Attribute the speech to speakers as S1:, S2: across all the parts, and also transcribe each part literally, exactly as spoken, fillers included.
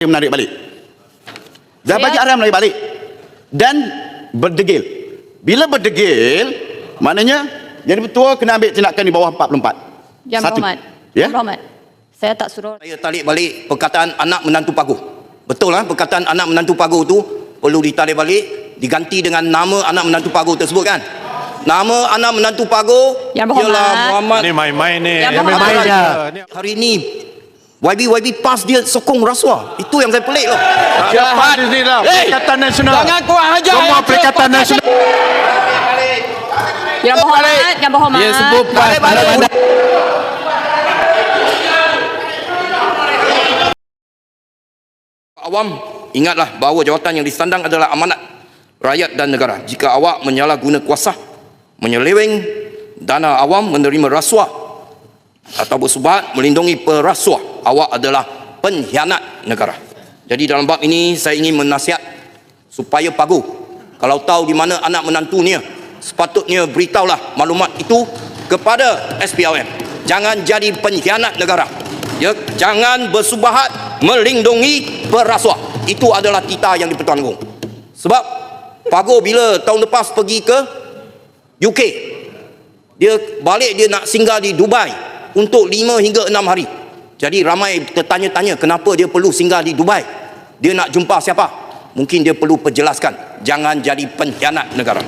S1: menarik balik. Dah bagi arahan menarik balik. Dan berdegil. Bila berdegil, maknanya Yang Ketua kena ambil tindakan di bawah empat puluh empat.
S2: Yang
S1: Satu.
S2: Berhormat.
S1: Ya?
S2: Yang Berhormat. Saya tak suruh.
S3: Saya tarik balik perkataan anak menantu paguh. Betul lah, perkataan anak menantu paguh tu perlu ditarik balik, diganti dengan nama anak menantu paguh tersebut kan. Nama anak menantu paguh
S2: Yang Berhormat.
S3: ialah Muhammad.
S4: Ini main-main ni.
S2: Yang
S4: Yang
S2: Berhormat.
S4: main-main dah.
S3: Hari ini Y B Y B PAS dia sokong rasuah. Itu yang saya pelik loh.
S4: Cepat di sini lah. Perikatan Nasional.
S3: Jangan kurang ajar.
S4: Semua Perikatan Nasional.
S2: Yang Berhormat, Yang Berhormat.
S4: Dia sebut
S3: Balik, balik. Awam, ingatlah bahawa jawatan yang disandang adalah amanat rakyat dan negara. Jika awak menyalahguna kuasa, menyeleweng dana awam, menerima rasuah atau bersubahat melindungi perasuah, awak adalah pengkhianat negara. Jadi dalam bab ini saya ingin menasihat supaya paguh, kalau tahu di mana anak menantunya, sepatutnya beritahulah maklumat itu kepada S P R M. Jangan jadi pengkhianat negara. Ya, jangan bersubahat melindungi perasuah. Itu adalah titah yang di-Pertuan Agong. Sebab paguh bila tahun lepas pergi ke U K, dia balik, dia nak singgah di Dubai untuk lima hingga enam hari. Jadi ramai tertanya-tanya kenapa dia perlu singgah di Dubai. Dia nak jumpa siapa? Mungkin dia perlu perjelaskan. Jangan jadi pengkhianat negara.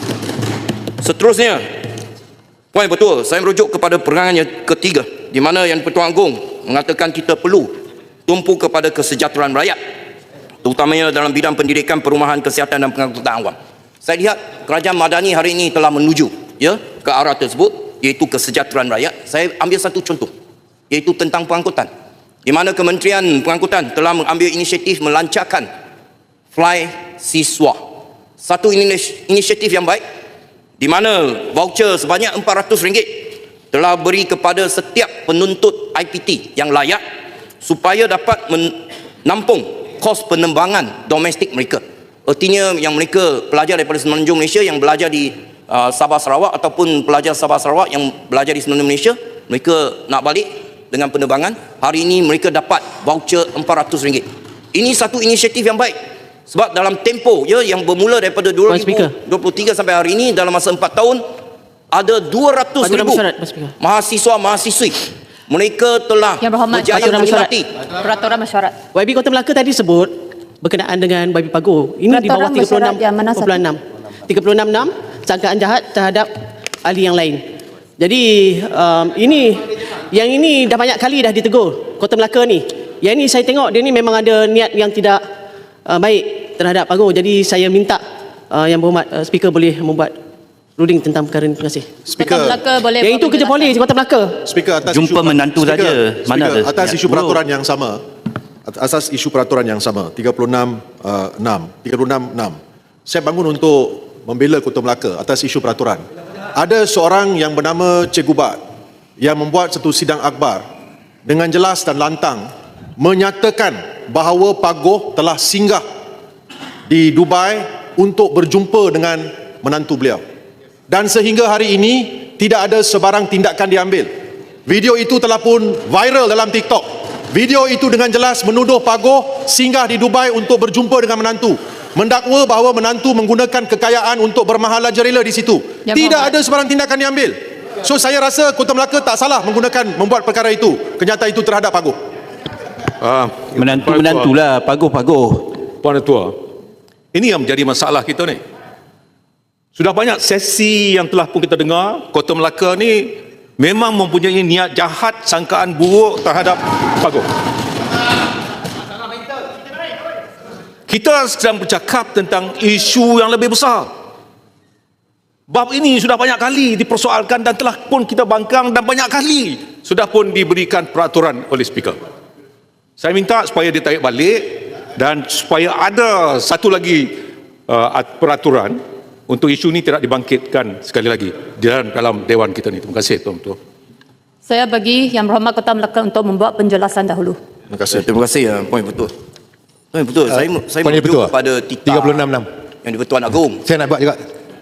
S3: Seterusnya, poin betul, saya merujuk kepada perangan yang ketiga, di mana Yang Pertuan Agong mengatakan kita perlu tumpu kepada kesejahteraan rakyat, terutamanya dalam bidang pendidikan, perumahan, kesihatan dan pengangkutan awam. Saya lihat kerajaan Madani hari ini telah menuju ya ke arah tersebut, iaitu kesejahteraan rakyat. Saya ambil satu contoh, iaitu tentang pengangkutan, di mana Kementerian Pengangkutan telah mengambil inisiatif melancarkan Fly Siswa. Satu inisiatif yang baik, di mana voucher sebanyak empat ratus ringgit telah beri kepada setiap penuntut I P T yang layak supaya dapat menampung kos penerbangan domestik mereka. Artinya yang mereka pelajar daripada Semenanjung Malaysia yang belajar di uh, Sabah Sarawak, ataupun pelajar Sabah Sarawak yang belajar di Semenanjung Malaysia, mereka nak balik dengan penerbangan, hari ini mereka dapat voucher empat ratus ringgit. Ini satu inisiatif yang baik. Sebab dalam tempoh ya yang bermula daripada dua ribu dua puluh tiga sampai hari ini, dalam masa empat tahun ada dua ratus ribu mahasiswa-mahasiswi mereka telah berjaya menikmati
S2: Peraturan Mesyuarat.
S5: Y B Kota Melaka tadi sebut berkenaan dengan Y B Paguh. Ini di bawah tiga puluh enam perpuluhan enam. tiga puluh enam enam sangkaan jahat terhadap ahli yang lain. Jadi um, ini yang ini dah banyak kali dah ditegur Kota Melaka ni. Yang ini saya tengok dia ni memang ada niat yang tidak uh, baik terhadap Paguh. Jadi saya minta uh, Yang Berhormat uh, Speaker boleh membuat ruling tentang perkara ini. Terima kasih.
S2: Speaker. Kota Melaka boleh.
S5: Yang itu kerja polis Kota Melaka.
S6: Speaker, atas
S7: jumpa
S6: isu,
S7: menantu
S6: speaker,
S7: saja.
S6: Speaker,
S7: Mana ada?
S6: atas
S7: Ya,
S6: isu
S7: bro.
S6: peraturan yang sama. Atas isu peraturan yang sama tiga puluh enam enam tiga puluh enam enam. Saya bangun untuk membela Kota Melaka atas isu peraturan. Ada seorang yang bernama Cikgu Bat yang membuat satu sidang akhbar dengan jelas dan lantang menyatakan bahawa Paguh telah singgah di Dubai untuk berjumpa dengan menantu beliau. Dan sehingga hari ini tidak ada sebarang tindakan diambil. Video itu telah pun viral dalam TikTok. Video itu dengan jelas menuduh Paguh singgah di Dubai untuk berjumpa dengan menantu, mendakwa bahawa menantu menggunakan kekayaan untuk bermahalaja rela di situ.
S2: Ya,
S6: tidak
S2: Muhammad.
S6: ada sebarang tindakan diambil. So saya rasa Kota Melaka tak salah menggunakan membuat perkara itu, kenyataan itu terhadap Paguh.
S4: Ah,
S7: Menantu-menantulah, Paguh-Paguh.
S4: Puan Ketua, ini yang menjadi masalah kita ni. Sudah banyak sesi yang telah pun kita dengar, Kota Melaka ni memang mempunyai niat jahat, sangkaan buruk terhadap Paguh. Kita sedang bercakap tentang isu yang lebih besar. Bab ini sudah banyak kali dipersoalkan dan telah pun kita bangkang, dan banyak kali sudah pun diberikan peraturan oleh Speaker. Saya minta supaya ditarik balik dan supaya ada satu lagi uh, peraturan untuk isu ini tidak dibangkitkan sekali lagi di dalam, dalam Dewan kita ni. Terima kasih Tuan Ketua.
S2: Saya bagi Yang Berhormat Kota Melaka untuk membuat penjelasan dahulu.
S6: Terima kasih.
S3: Terima kasih ya, poin betul. Poin betul. Uh, saya saya
S8: poin
S3: merujuk
S8: betul.
S3: kepada titah
S8: tiga puluh enam enam
S3: yang di Pertuan Agong.
S8: Saya nak buat juga.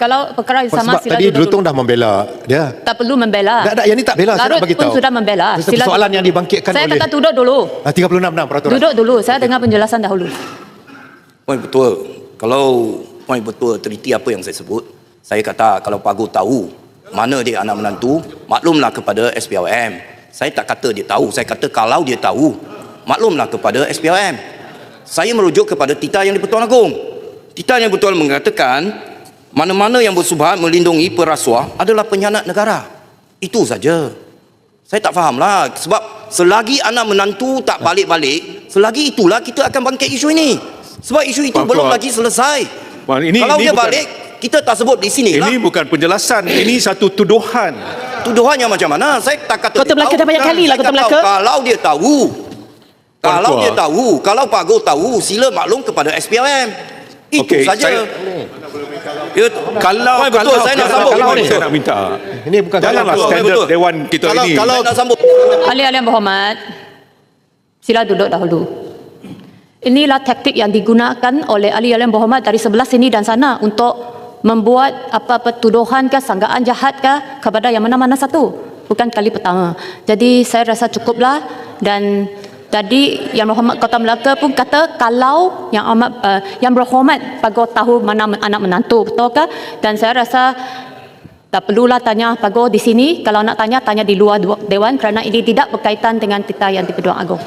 S2: Kalau perkara yang sama,
S6: Sebab
S2: sila
S6: tadi
S2: duduk
S6: Drutong
S2: dulu.
S6: dah membela dia.
S2: Tak perlu membela.
S6: Tak, tak, yang ni tak bela, saya
S2: Larut
S6: nak bagi
S2: pun
S6: tahu.
S2: sudah membela. Sila
S6: Persoalan
S2: duduk
S6: yang
S2: dulu.
S6: dibangkitkan
S2: Saya
S6: oleh
S2: kata duduk dulu.
S6: Ah, tiga puluh enam enam peraturan.
S2: Duduk dulu. Saya dengar penjelasan dahulu.
S3: Poin betul. Kalau poin betul teliti apa yang saya sebut, saya kata kalau Pago tahu mana dia anak menantu, maklumlah kepada S P R M. Saya tak kata dia tahu, saya kata kalau dia tahu, maklumlah kepada S P R M. Saya merujuk kepada Tita Yang di-Pertuan Agong. Tita Yang di-Pertuan mengatakan mana-mana yang bersubhat melindungi perasuah adalah pengkhianat negara. Itu saja. Saya tak fahamlah sebab selagi anak menantu tak balik-balik, selagi itulah kita akan bangkit isu ini. Sebab isu itu
S4: Puan,
S3: belum
S4: Puan.
S3: lagi selesai.
S4: Puan, ini-
S3: Kalau
S4: ini
S3: dia
S4: bukan-
S3: balik, kita tak sebut di sini lah.
S4: Ini bukan penjelasan, ini satu tuduhan.
S3: Tuduhannya macam mana? Saya tak kata
S5: Kota
S3: dia
S5: Melaka
S3: tahu.
S5: dah banyak kali lah,
S3: Saya
S5: Kota
S3: tak
S5: Melaka.
S3: tahu. Kalau dia tahu,
S4: Puan
S3: kalau
S4: Tua.
S3: dia tahu, kalau Pago tahu, sila maklum kepada S P R M. Itu
S4: Okey,
S3: saja.
S4: saya-
S3: Ya,
S4: Kalau
S3: Puan, betul,
S4: kalau
S3: saya nak
S4: kalau-
S3: sambung.
S4: kalau
S3: Betul.
S4: saya nak minta.
S6: Ini bukan
S4: Janganlah
S3: betul,
S4: standard
S3: betul.
S4: Dewan kita
S6: Kalau-
S4: ini.
S6: kalau-
S3: Saya nak sambung.
S2: Ahli-ahli yang berhormat, sila duduk dahulu. Inilah taktik yang digunakan oleh ahli-ahli yang berhormat dari sebelah sini dan sana untuk membuat apa-apa tuduhan ke sangkaan jahat ke kepada yang mana-mana satu. Bukan kali pertama. Jadi saya rasa cukuplah dan tadi Yang Berhormat Kota Melaka pun kata kalau yang amat uh, yang berhormat Pago tahu mana men- anak menantu, betul ke? Dan saya rasa tak perlulah tanya Pago di sini. Kalau nak tanya, tanya di luar du- Dewan kerana ini tidak berkaitan dengan Tita Yang di-Pertuan Agong.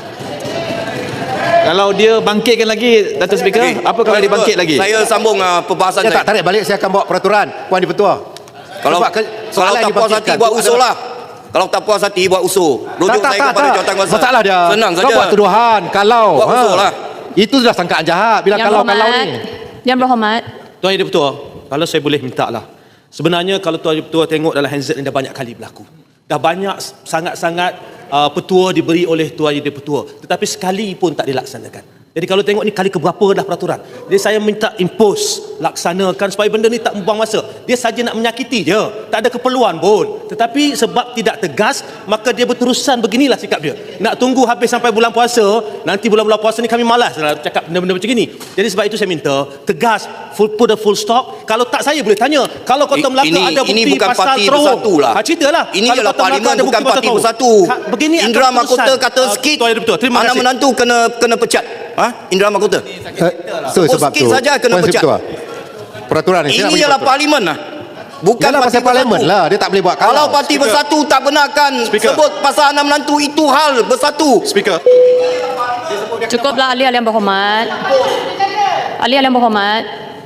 S7: Kalau dia bangkitkan lagi, Datuk Speaker,
S3: Okey.
S7: apa kalau dia bangkit lagi?
S3: Saya sambung uh, perbahasan
S6: Saya
S3: saya.
S6: tak tarik balik, saya akan bawa peraturan Puan Di-Pertua.
S3: Kalau
S6: Sebab ke-
S3: kalau
S6: soalan
S3: tak
S6: yang
S3: puas hati
S6: dibangkitkan
S3: buat
S6: tu
S3: usul
S6: adalah-
S3: lah. Kalau tak puas hati buat usul. Rujuk
S6: Tak, tak,
S3: saya
S6: tak,
S3: kepada
S6: tak.
S3: jawatan kuasa.
S6: Masalah dia.
S3: Senang
S6: Kau
S3: saja.
S6: buat tuduhan kalau.
S3: Buat usul lah.
S6: Itu sudah sangkaan jahat bila
S2: Yang
S6: kalau-kalau
S2: berhormat,
S6: ni.
S2: Yang berhormat,
S5: Tuan Yang di-Pertua, kalau saya boleh minta lah. Sebenarnya kalau Tuan Yang di-Pertua tengok dalam Hanset ni dah banyak kali berlaku. Dah banyak sangat-sangat uh, petua diberi oleh Tuan Yang di-Pertua. Tetapi sekali pun tak dilaksanakan. Jadi kalau tengok ni kali keberapa dah peraturan. Jadi saya minta impose, laksanakan supaya benda ni tak membuang masa. Dia saja nak menyakiti je. Tak ada keperluan pun. Tetapi sebab tidak tegas, maka dia berterusan beginilah sikap dia. Nak tunggu habis sampai bulan puasa, nanti bulan-bulan puasa ni kami malas nak cakap benda-benda macam ini. Jadi sebab itu saya minta, tegas, full, put a full stop. Kalau tak saya boleh tanya. Kalau Kota
S3: I-
S5: Melaka
S3: ini-
S5: ada bukti
S3: ini bukan
S5: pasal
S3: parti
S5: terowong.
S3: bersatu lah.
S5: Ha, ceritalah.
S3: Ini
S5: Kalau
S3: adalah
S5: Kota Melaka
S3: parlimen
S5: ada
S3: bukan
S5: bukti pasal
S3: parti
S5: terowong.
S3: bersatu.
S5: Ha, begini akan
S3: Indra
S5: keputusan.
S3: Mahkota kata
S5: Ah,
S3: sikit,
S5: Tuan Yang di-Pertua, terima
S3: anak
S5: kasih.
S3: menantu kena kena pecat. Ha? Indra Mahkota.
S6: Eh, so,
S3: Oh,
S6: sebab
S3: sikit
S6: tu.
S3: saja kena
S6: Puan
S3: pecat.
S6: Di-Pertua, peraturan ni. saya nak
S3: Ini
S6: bagi
S3: ialah
S6: peraturan.
S3: parlimen lah. Bukan
S6: Yalah,
S3: parti
S6: pasal parlimen
S3: bersatu.
S6: lah. Dia tak boleh buat
S3: Kalau
S6: kalau.
S3: parti bersatu tak benarkan
S4: Speaker.
S3: sebut pasal anak menantu, itu hal bersatu.
S4: Speaker.
S2: cukuplah ahli-ahli yang berhormat. Ahli-ahli yang berhormat,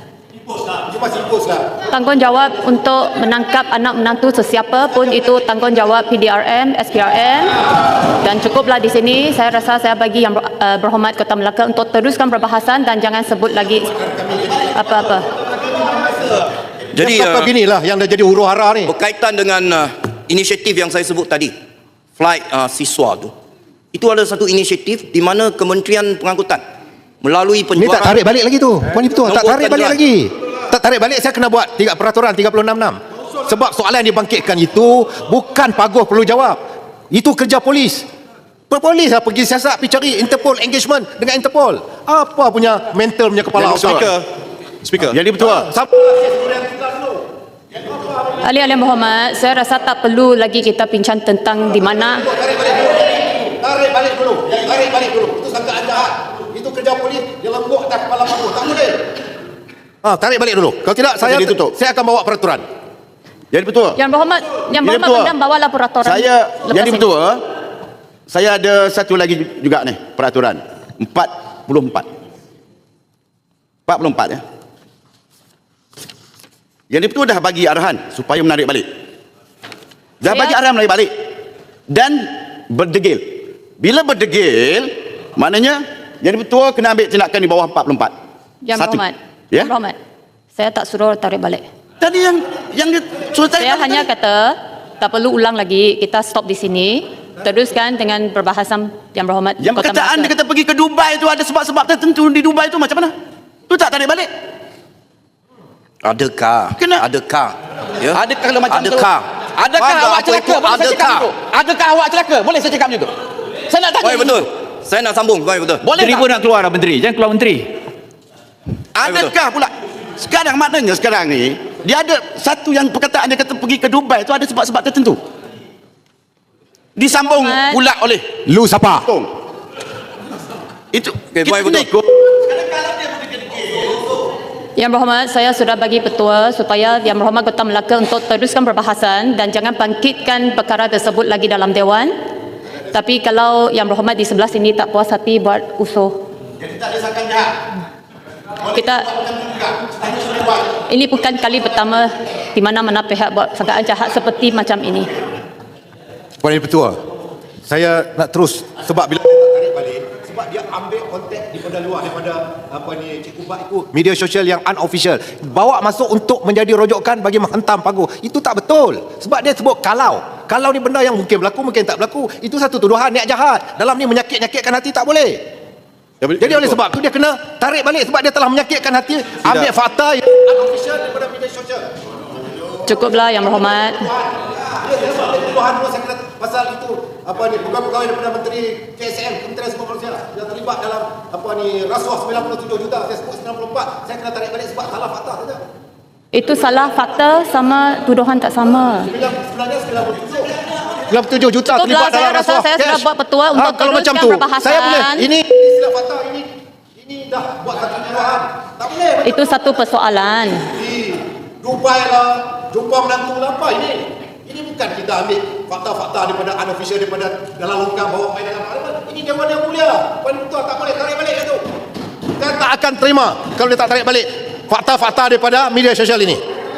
S2: tanggungjawab untuk menangkap anak menantu sesiapa pun itu tanggungjawab P D R M, S P R M, dan cukuplah di sini. Saya rasa saya bagi Yang ber- uh, Berhormat Kota Melaka untuk teruskan perbahasan dan jangan sebut lagi apa-apa.
S3: Jadi
S6: Jadi
S3: uh,
S6: beginilah yang dah jadi huru hara ni.
S3: berkaitan dengan uh, inisiatif yang saya sebut tadi, flight uh, siswa tu, itu adalah satu inisiatif di mana Kementerian Pengangkutan melalui
S6: Ni
S3: penjualan.
S6: tak tarik balik lagi tu. Puan Di-Pertua, tak
S3: Nombor
S6: tarik balik
S3: kenderaan.
S6: lagi. Tak tarik balik, saya kena buat tiga peraturan tiga puluh enam enam. Sebab soalan yang dibangkitkan itu bukan Pagoh perlu jawab. Itu kerja polis. Polis lah pergi siasat, pergi cari Interpol engagement dengan Interpol. Apa punya mental punya kepala
S4: Yang Speaker. Speaker.
S1: Jadi betul.
S2: Ahli-ahli yang berhormat, saya rasa tak perlu lagi kita bincang tentang di mana.
S6: Tarik balik dulu. Yang tarik balik dulu. Itu sangkaan jahat. Itu kerja polis. Dia lembut atas kepala Pagoh. Tak boleh. Ah, tarik balik dulu. Kalau tidak saya
S1: Jadi tutup.
S6: saya akan bawa peraturan.
S1: Jadi betul.
S2: Yang berhormat, yang
S1: Jadi
S2: berhormat
S1: betul.
S2: pendam bawalah peraturan.
S1: Saya
S2: lepas
S1: jadi
S2: ini.
S1: betul. Saya ada satu lagi juga nih peraturan empat puluh empat. empat puluh empat ya. Yang itu dah bagi arahan supaya menarik balik. Dah
S2: Saya-
S1: bagi arahan menarik balik. Dan berdegil. Bila berdegil, maknanya jadi betul kena ambil tindakan di bawah empat puluh empat.
S2: Yang
S1: Satu.
S2: berhormat,
S1: Ya?
S2: yang berhormat, saya tak suruh tarik balik.
S1: Tadi yang yang dia suruh tarik
S2: Saya
S1: balik
S2: hanya
S1: tadi.
S2: kata tak perlu ulang lagi. Kita stop di sini. Teruskan dengan perbahasan yang berhormat.
S1: Yang
S2: Kota
S1: perkataan
S2: Melaka.
S1: dia kata pergi ke Dubai tu ada sebab-sebab tertentu di Dubai tu macam mana? Tu tak tarik balik.
S3: Adakah?
S1: Kena-
S3: Adakah? Ya?
S1: Adakah kalau macam tu?
S3: Adakah?
S1: Adakah
S3: Faham tak
S1: awak
S3: apa
S1: celaka?
S3: itu?
S1: Boleh saya cakap
S3: Adakah?
S1: macam tu? Adakah awak celaka? Boleh saya cakap macam tu? Saya nak tanya.
S3: Baik, betul. Saya nak sambung. Baik, betul.
S1: Boleh
S7: Menteri
S1: tak?
S7: pun nak keluar lah menteri. Jangan keluar menteri.
S1: Adakah pula? Sekarang maknanya sekarang ni Dia ada satu yang perkataan dia kata pergi ke Dubai tu ada sebab-sebab tertentu. Disambung
S2: Ahmad.
S1: pula oleh
S8: Lu siapa?
S1: Tong. Itu
S3: Okey,
S1: kita
S3: baik,
S1: kena
S3: betul.
S1: ikut.
S2: Yang Berhormat, saya sudah bagi petua supaya Yang Berhormat Kota Melaka untuk teruskan perbahasan dan jangan bangkitkan perkara tersebut lagi dalam Dewan. Tapi kalau Yang Berhormat di sebelah sini tak puas hati buat usuh.
S1: Jadi tak ada sangkaan jahat.
S2: Kita ini bukan kali pertama di mana-mana pihak buat sangkaan jahat seperti macam ini.
S8: Puan Yang Ketua, saya nak terus sebab bila
S9: tarik balik sebab dia ambil konteks daripada luar daripada apa ni Cikgu Bak ikut
S8: media sosial yang unofficial bawa masuk untuk menjadi rojokan bagi menghentam Paguh. Itu tak betul. Sebab dia sebut kalau. Kalau ni benda yang mungkin berlaku, mungkin tak berlaku. Itu satu tuduhan niat jahat. Dalam ni menyakit-nyakitkan hati tak boleh.
S6: Ya, boleh-
S8: Jadi
S6: ya,
S8: oleh
S6: betul.
S8: sebab tu dia kena tarik balik sebab dia telah menyakitkan hati. Ambil fakta yang
S9: unofficial daripada media sosial.
S2: Cukuplah Yang Berhormat.
S9: Dia dia sebab dia tuduhan dulu saya kena pasal itu apa ni pegawai-pegawai daripada Menteri K S M Kementerian Sumber Manusia yang terlibat dalam apa ni rasuah sembilan puluh tujuh juta, saya sebut sembilan puluh empat, saya kena tarik balik sebab salah fakta saja.
S2: Itu salah fakta sama tuduhan tak sama.
S9: Sebenarnya sembilan puluh tujuh.
S8: sembilan puluh tujuh juta
S2: Cukuplah,
S8: terlibat
S2: saya
S8: dalam
S2: rasa
S8: rasuah
S2: saya sudah
S8: cash.
S2: buat petua
S8: Ah,
S2: untuk
S8: kalau macam
S2: teruskan
S8: tu,
S2: perbahasan.
S8: saya boleh. Ini
S9: Ini silap fakta ini ini dah buat satu tuduhan. Tak boleh.
S2: Itu satu persoalan.
S9: Di Dubai lah, jumpa menantu lah apa ini? Ini bukan kita ambil fakta-fakta daripada unofficial daripada dalam longkang bawa main dalam parlimen. Ini Dewan Yang Mulia. Puan Ketua tak boleh tarik balik itu.
S8: saya tak akan terima kalau dia tak tarik balik fakta-fakta daripada media sosial ini.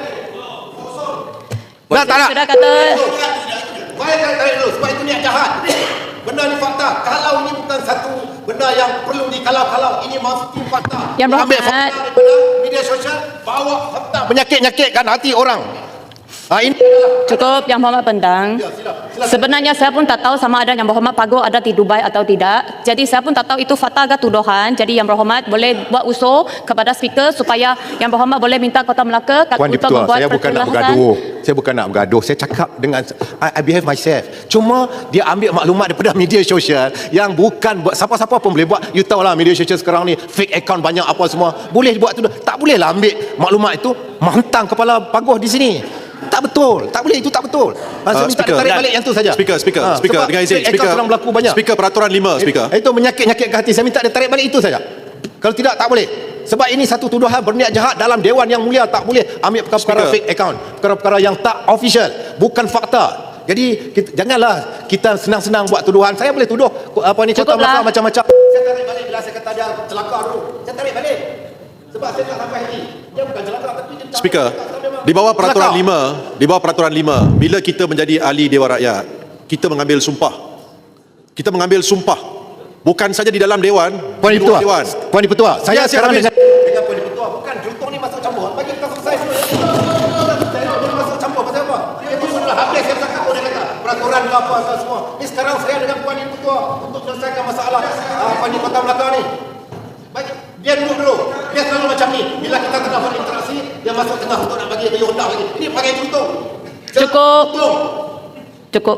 S8: Dah tak nak.
S2: Sudah kata
S9: Saya tarik tarik dulu sebab itu niat jahat. Benda ni fakta. Kalau ini bukan satu benda yang perlu dikalau-kalau. Ini mesti fakta.
S2: Yang
S8: Ambil
S2: Berhormat,
S9: Daripada media sosial bawa fakta.
S8: Menyakit-nyakitkan hati orang. Ha, ini
S2: cukup Yang Berhormat Pendang. Sebenarnya saya pun tak tahu sama ada Yang Berhormat Paguh ada di Dubai atau tidak. Jadi saya pun tak tahu itu fakta ke tuduhan. Jadi Yang Berhormat boleh buat usul kepada speaker supaya Yang Berhormat boleh minta Kota Melaka
S8: Puan
S2: untuk
S8: Ketua,
S2: membuat
S8: saya bukan nak
S2: perkelasan.
S8: bergaduh. Saya bukan nak bergaduh. Saya cakap dengan I, I behave myself. Cuma dia ambil maklumat daripada media sosial yang bukan buat siapa-siapa pun boleh buat. You tahu lah media sosial sekarang ni fake account banyak apa semua. Boleh buat tu. Tak boleh lah ambil maklumat itu menghentam kepala Paguh di sini. Tak betul. Tak boleh, itu tak betul. Masa
S6: Uh,
S8: minta
S6: speaker.
S8: tarik balik yang tu saja.
S6: Speaker, speaker,
S8: Ha,
S6: speaker.
S8: sebab
S6: Dengan izin,
S8: fake account
S6: speaker.
S8: sedang berlaku banyak.
S6: Speaker peraturan lima, speaker.
S8: Itu menyakit-nyakit ke hati. Saya minta dia tarik balik itu saja. Kalau tidak, tak boleh. Sebab ini satu tuduhan berniat jahat dalam Dewan Yang Mulia. Tak boleh ambil perkara-perkara
S6: Speaker.
S8: fake account. Perkara-perkara yang tak official. Bukan fakta. Jadi kita, janganlah kita senang-senang buat tuduhan. Saya boleh tuduh apa ni Kota
S2: Cukuplah.
S8: Melaka macam-macam.
S9: Saya tarik balik bila saya kata dia celaka dulu. Saya tarik balik. Sebab saya tak sampai hati. Dia bukan celaka tapi dia
S6: Speaker, di bawah peraturan
S8: Kelakar.
S6: lima, di bawah peraturan lima, bila kita menjadi ahli Dewan Rakyat, kita mengambil sumpah. Kita mengambil sumpah. Bukan saja di dalam Dewan,
S8: Puan
S6: di
S8: Ketua,
S6: luar Dewan.
S8: Puan Ketua, saya
S6: Ya,
S8: sekarang
S6: habis.
S8: dengan
S9: dengan Puan Ketua bukan Jutong ni masuk campur. Bagi kita selesai dulu. Saya boleh masuk campur pasal apa? Itu sudah habis saya cakap dia kata. Peraturan ke apa apa semua. Ni sekarang saya dengan Puan Ketua untuk selesaikan masalah apa ni Kota Melaka ni. Baik, dia duduk dulu. Dia selalu macam ni. Bila kita tengah berinteraksi, dia masuk tengah untuk nak bagi bagi honda lagi. Ini pakai Jutong.
S2: Cukup.
S9: Jutong.
S2: Cukup.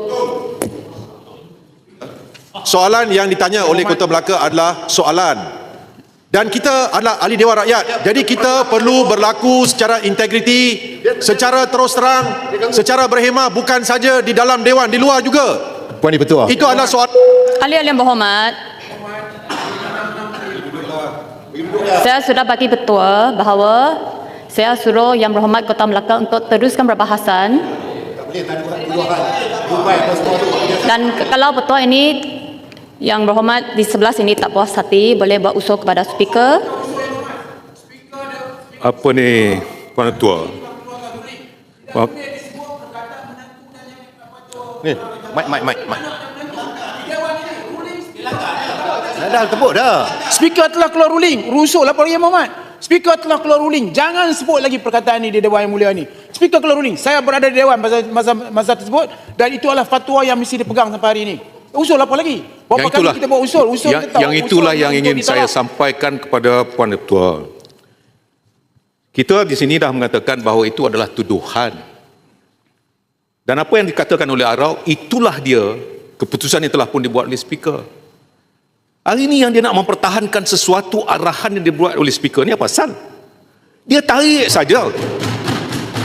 S6: Soalan yang ditanya oleh Kota Melaka adalah soalan. Dan kita adalah ahli Dewan Rakyat. Jadi kita perlu berlaku secara integriti, secara terus terang, secara berhemah, bukan saja di dalam Dewan, di luar juga.
S8: Puan Ketua.
S6: Itu adalah soalan.
S2: Ahli-ahli yang berhormat, saya sudah bagi petua bahawa saya suruh Yang Berhormat Kota Melaka untuk teruskan perbahasan. Dan ke- kalau petua ini Yang Berhormat di sebelah sini tak puas hati, boleh buat usul kepada speaker.
S4: Apa ni Puan Ketua? Apa?
S8: Ni, mic, mic, mic, mic. Dah, dah tepuk dah.
S10: Speaker telah keluar ruling. Rusuh lah Pak Yang Muhammad. Speaker telah keluar ruling. Jangan sebut lagi perkataan ini di Dewan Yang Mulia ni. Speaker keluar ruling. Saya berada di Dewan masa, masa, masa tersebut dan itu adalah fatwa yang mesti dipegang sampai hari ini. Usul apa lagi? Berapa
S4: Yang itulah,
S10: kali kita buat usul? Usul
S4: yang,
S10: kita tahu.
S4: yang itulah
S10: Usul
S4: yang
S10: untuk
S4: ingin saya
S10: ditolak.
S4: sampaikan kepada Puan Ketua. Kita di sini dah mengatakan bahawa itu adalah tuduhan. Dan apa yang dikatakan oleh Arau, itulah dia keputusan yang telah pun dibuat oleh speaker. Hari ini yang dia nak mempertahankan sesuatu arahan yang dibuat oleh speaker ni apa pasal? Dia tarik saja.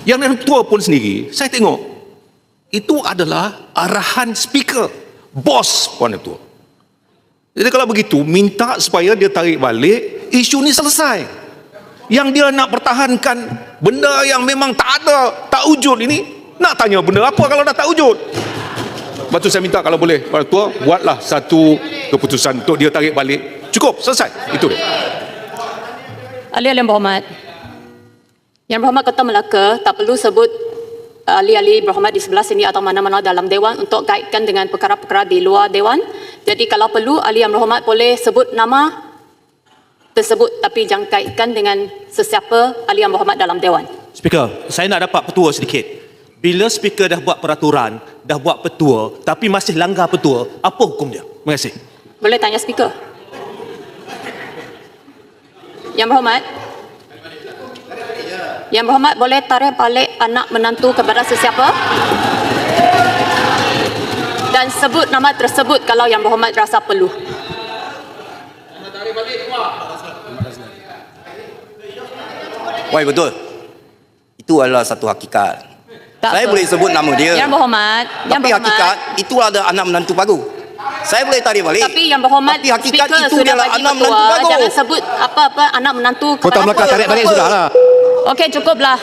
S4: Yang Yang Tua pun sendiri, saya tengok itu adalah arahan speaker, bos Puan Yang Tua. Jadi kalau begitu, minta supaya dia tarik balik, isu ni selesai. Yang dia nak pertahankan benda yang memang tak ada, tak wujud ini, nak tanya benda apa kalau dah tak wujud? Lepas tu saya minta kalau boleh, Puan Tua, buatlah satu keputusan untuk dia tarik balik. Cukup, selesai. Itu dia.
S2: Ahli-ahli yang berhormat, Yang Berhormat Kota Melaka tak perlu sebut ahli-ahli berhormat di sebelah sini atau mana-mana dalam Dewan untuk kaitkan dengan perkara-perkara di luar Dewan. Jadi kalau perlu, ahli yang berhormat boleh sebut nama tersebut tapi jangan kaitkan dengan sesiapa ahli yang berhormat dalam Dewan.
S7: Speaker, saya nak dapat petua sedikit. Bila speaker dah buat peraturan, dah buat petua, tapi masih langgar petua, apa hukumnya? Terima kasih.
S2: Boleh tanya speaker. Yang Berhormat, Yang Berhormat boleh tarik balik anak menantu kepada sesiapa dan sebut nama tersebut kalau Yang Berhormat rasa perlu.
S3: Wai, betul. Itu adalah satu hakikat.
S2: Tak
S3: Saya
S2: apa.
S3: boleh sebut nama dia.
S2: Yang Berhormat, Yang
S3: Tapi
S2: Berhormat.
S3: hakikat itu ada anak menantu baru. Saya boleh tarik balik.
S2: Tapi Yang Berhormat,
S3: Tapi hakikat
S2: speaker
S3: itu
S2: sudah
S3: adalah
S2: bagi
S3: anak menantu
S2: petua,
S3: baru.
S2: jangan sebut apa-apa anak menantu
S8: Kota
S2: kepada
S8: Melaka tarik balik sudahlah.
S2: Okey, cukuplah.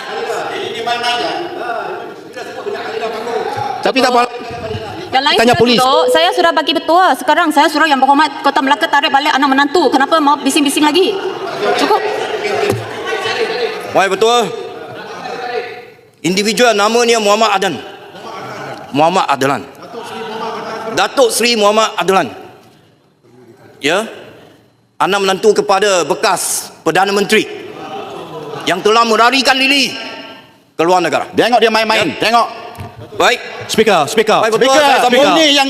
S8: Tapi tak apa.
S2: Yang lain
S8: Tanya
S2: sudah
S8: polis.
S2: duduk, saya sudah bagi petua. Sekarang saya suruh Yang Berhormat Kota Melaka tarik balik anak menantu. Kenapa mau bising-bising lagi? Cukup.
S3: Wai, betul. Individual namanya Muhammad Adan. Muhammad Adlan. Datuk Seri Muhammad Adlan. Ya. Anak menantu kepada bekas Perdana Menteri yang telah melarikan diri ke luar negara.
S1: Tengok dia main-main.
S3: Ya.
S1: Tengok.
S3: Baik.
S7: Speaker, speaker.
S3: Baik, betul.
S1: Speaker,
S3: Saya sambung.
S1: ini yang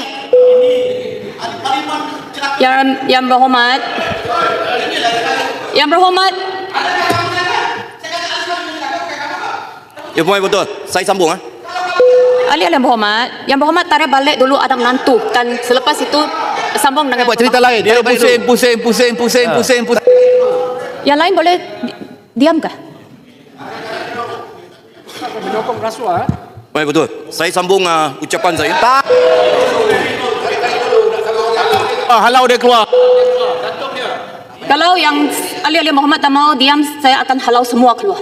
S2: Yang Yang Berhormat. Yang Berhormat.
S3: Ya, Puan, betul. Saya sambung. Ah.
S2: Ahli-ahli yang berhormat, Yang Berhormat tarik balik dulu anak menantu dan selepas itu sambung dengan
S8: Buat cerita lain.
S7: Dia pusing, pusing, pusing, pusing, pusing, pusing.
S2: Yang lain boleh di- diam kah?
S10: Menyokong rasuah.
S3: Baik, betul. Saya sambung uh, ucapan saya.
S8: Ah, halau dia keluar.
S2: Kalau yang ahli-ahli yang berhormat tak mau diam, saya akan halau semua keluar.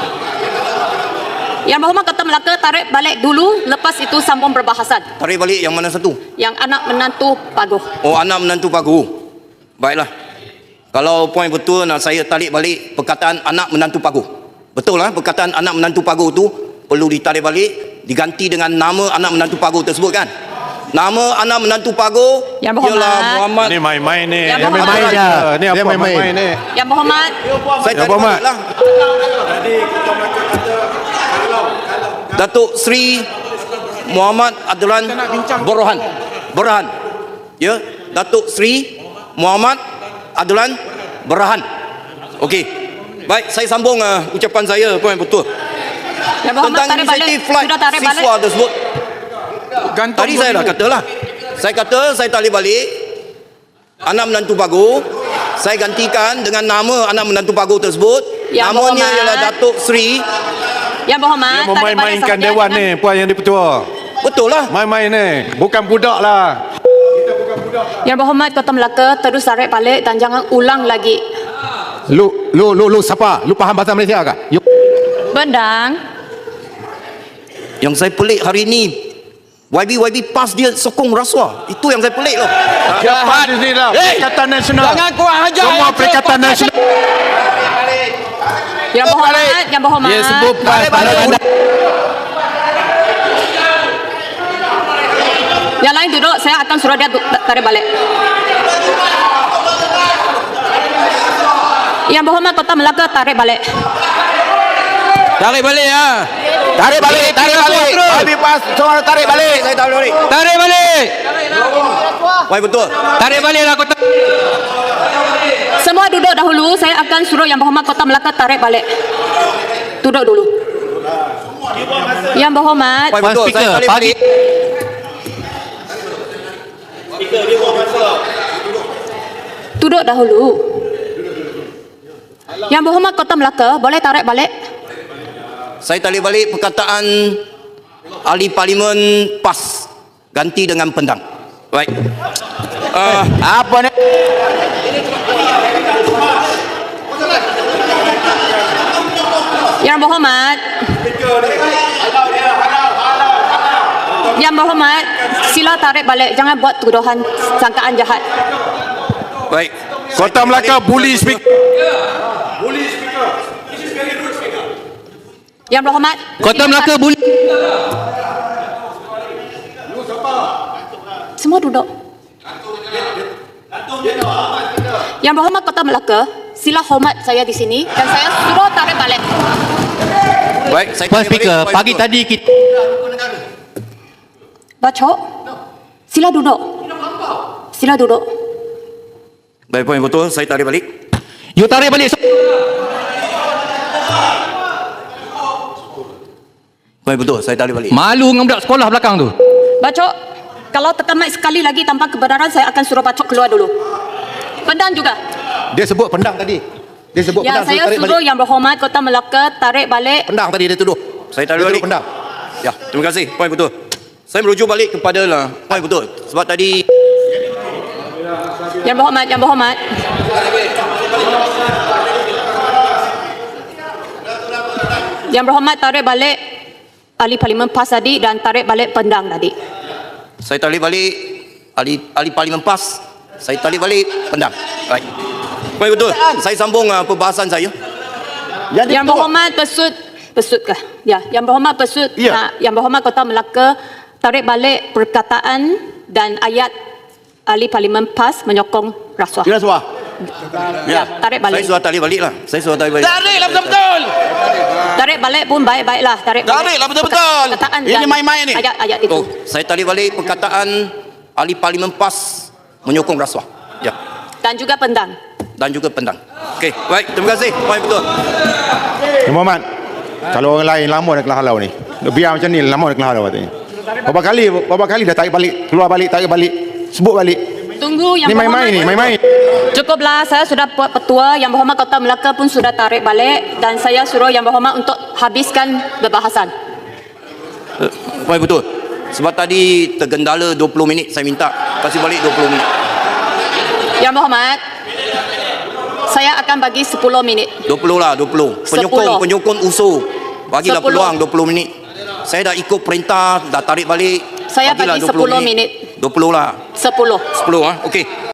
S2: Yang Berhormat Kota Melaka tarik balik dulu, lepas itu sambung perbahasan.
S3: Tarik balik yang mana satu?
S2: Yang anak menantu Paguh.
S3: Oh, anak menantu Paguh. Baiklah. Kalau poin betul, nak saya tarik balik perkataan anak menantu Paguh. Betul lah, perkataan anak menantu Paguh tu perlu ditarik balik, diganti dengan nama anak menantu Paguh tersebut kan? Nama anak menantu Paguh
S2: Yang Berhormat.
S3: ialah Muhammad.
S4: Ni main-main ni.
S2: Yang
S8: Dia
S2: Berhormat.
S8: main-main dia.
S4: Ni apa
S8: Dia main-main.
S4: main-main ni?
S2: Yang Berhormat,
S3: Saya
S8: Yang
S3: tarik
S8: Berhormat.
S3: balik lah. Datuk Seri Muhammad Adlan Borhan. Borhan. Ya, Datuk Seri Muhammad Adlan Borhan. Okey. Baik, saya sambung uh, ucapan saya poin betul.
S2: Yang Berhormat
S3: Tentang
S2: tarik balik,
S3: inisiatif flight
S2: sudah tarik balik.
S3: siswa tersebut.
S10: Gantung
S3: Tadi saya dah kata lah. Saya kata saya tarik balik anak menantu Paguh. Saya gantikan dengan nama anak menantu Paguh tersebut.
S2: Yang
S3: Namanya
S2: Berhormat.
S3: ialah Datuk Seri.
S2: Yang Berhormat
S4: Dia
S2: tarik balik
S4: memain-mainkan
S2: sahaja
S4: dewan
S2: dengan-
S4: ni, Puan Yang Dipertua.
S3: Betul lah.
S4: Main-main ni. Bukan budak lah.
S2: Yang Berhormat Kota Melaka terus tarik balik dan jangan ulang lagi.
S8: Lu, lu, lu, lu siapa? Lu faham bahasa Malaysia kah? You.
S2: Bendang,
S3: Yang saya pelik hari ni, Y B Y B PAS dia sokong rasuah. Itu yang saya pelik loh.
S4: Jahat di sini lah. Perikatan Nasional.
S3: Jangan kurang ajar.
S4: Semua Perikatan Nasional.
S2: Yang Berhormat, Yang Berhormat.
S8: Dia sebut
S3: Tarik balik.
S2: Yang lain duduk, saya akan suruh dia du- tarik balik. Yang Berhormat Kota Melaka tarik balik.
S7: Tarik balik ya.
S8: Tarik balik, tarik balik.
S3: Habis PAS, semua tarik balik. Saya tarik balik.
S7: Tarik balik.
S3: Wah, betul.
S7: Tarik baliklah kota.
S2: Semua duduk dahulu, saya akan suruh Yang Berhormat Kota Melaka tarik balik. Duduk dulu. Yang Berhormat,
S3: Wah, betul.
S7: Speaker,
S3: Saya tarik
S7: pagi.
S3: balik.
S2: duduk dahulu. Yang Berhormat Kota Melaka, boleh tarik balik?
S3: Saya tarik balik perkataan ahli parlimen PAS. Ganti dengan pendang. Baik. Uh,
S1: Apa ni?
S2: Yang berhormat. Yang berhormat, sila tarik balik. Jangan buat tuduhan sangkaan jahat.
S3: baik.
S1: Kota Melaka bully speaker.
S2: Yang berhormat.
S7: Kota Melaka bully.
S2: Semua duduk. Yang berhormat Kota Melaka, sila hormat saya di sini dan saya suruh tarik balik.
S3: Baik, saya
S7: Puan
S3: tarik
S7: Speaker,
S3: balik.
S7: pagi tadi kita
S2: Bacok. Sila duduk. Sila duduk.
S3: Baik, poin betul. Saya tarik balik.
S7: you tarik balik.
S3: Poin betul. Saya tarik balik.
S7: Malu dengan budak sekolah belakang tu.
S2: Bacok. Kalau tekan mic sekali lagi tanpa kebenaran, saya akan suruh Bacok keluar dulu. Pendang juga.
S8: Dia sebut pendang tadi. Dia sebut
S2: Ya,
S8: pendang.
S2: saya
S8: tarik
S2: suruh
S8: balik.
S2: Yang Berhormat Kota Melaka tarik balik.
S8: Pendang tadi dia tuduh.
S3: Saya tarik
S8: Dia
S3: balik.
S8: tuduh pendang.
S3: Ya, terima kasih. Poin betul. Saya merujuk balik kepada lah. Poin betul. Sebab tadi
S2: Yang Berhormat, Yang Berhormat. Yang Berhormat tarik balik ahli parlimen PAS tadi dan tarik balik pendang tadi.
S3: saya tarik balik ahli ahli parlimen PAS. Saya tarik balik pendang. Baik. Poin betul. Saya sambung uh, perbahasan saya.
S1: Jadi
S2: Yang Berhormat Pesut, Pesutkah? Ya, Yang Berhormat Pesut,
S1: Ya.
S2: nak, Yang Berhormat Kota Melaka tarik balik perkataan dan ayat ahli parlimen PAS menyokong rasuah.
S1: Kira suah.
S2: Ya, tarik
S3: Saya
S2: balik.
S3: sudah tarik balik lah. Saya sudah tarik balik.
S1: Tariklah betul-betul.
S2: Tarik balik pun baik-baiklah. Tarik balik.
S1: Tariklah betul-betul.
S2: Perkataan
S1: Ini
S2: dan
S1: main-main ni.
S2: Ayat-ayat itu.
S3: Oh, saya tarik balik perkataan ahli parlimen PAS menyokong rasuah. Ya.
S2: Dan juga pendang.
S3: Dan juga pendang. Okey, baik. Terima kasih. Poin betul.
S11: Yang Muhammad, kalau orang lain lama dah kelah halau ni. Biar macam ni lama dah kelah halau katanya. Berapa kali berapa kali dah tarik balik, keluar balik, tarik balik, sebut balik.
S2: Tunggu Yang
S11: Ni main-main ni, main-main.
S2: Cukuplah, saya sudah buat petua. Yang Berhormat Kota Melaka pun sudah tarik balik dan saya suruh Yang Berhormat untuk habiskan perbahasan.
S3: Uh, poin betul. Sebab tadi tergendala dua puluh minit, saya minta kasih balik dua puluh minit.
S2: Yang Berhormat, saya akan bagi sepuluh minit.
S3: dua puluh lah, dua puluh. Penyokong,
S2: Sepuluh.
S3: penyokong usul. Bagilah
S2: Sepuluh.
S3: peluang dua puluh minit. Saya dah ikut perintah, dah tarik balik.
S2: Saya
S3: Bagilah
S2: bagi
S3: dua puluh
S2: sepuluh minit.
S3: dua puluh lah.
S2: Sepuluh.
S3: sepuluh ah. Okey.